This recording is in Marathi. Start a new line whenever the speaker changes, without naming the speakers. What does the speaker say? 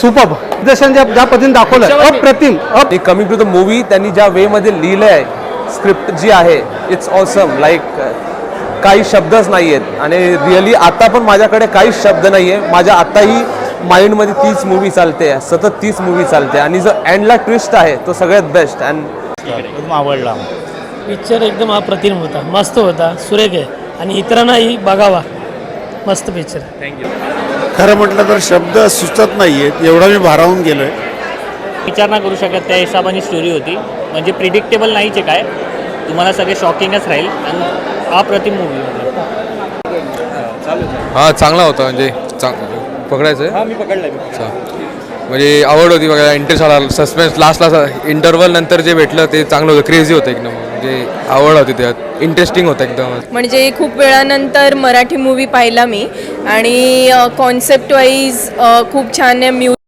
सुपर्ब दिग्दर्शन ज्या पद्धतीने दाखवलं अप्रतिम.
कमिंग टू द मूवी त्यांनी ज्या वे मध्ये लिहिलं आहे स्क्रिप्ट जी आहे इट्स ऑसम. लाईक काही शब्दच नाही आहेत आणि रिअली आता पण माझ्याकडे काहीच शब्द नाही आहे. माझ्या आताही माइंडमध्ये तीच मूवी चालते, सतत तीच मूवी चालते आणि जो एंडला ट्विस्ट आहे तो सगळ्यात बेस्ट. अँड
एकदम आवडला
पिक्चर. एकदम अप्रतिम होता, मस्त होता, सुरेख आहे आणि इतरांनाही बघावा. मस्त पिक्चर.
थँक्यू.
खरं म्हटलं तर शब्द सुचत नाही आहेत, एवढा मी भारावून गेलो आहे.
विचार ना करू शकत त्या हिशोबाने स्टोरी होती. म्हणजे प्रिडिक्टेबल नाहीच आहे काय, तुम्हाला सगळे शॉकिंगच राहील आणि अप्रतिम मूवी होती.
हां चांगला होता. म्हणजे पकडायचं आहे.
मी पकडलं.
म्हणजे आवड होती बघायला, इंटरेस्ट आला. सस्पेन्स लास्टला इंटरव्हल नंतर जे भेटलं ते चांगलं होतं, क्रेझी होतं एकदम. म्हणजे आवड होती त्यात, इंटरेस्टिंग होतं एकदम.
म्हणजे खूप वेळानंतर मराठी मूवी पाहिला मी आणि कॉन्सेप्ट वाईज खूप छान आहे.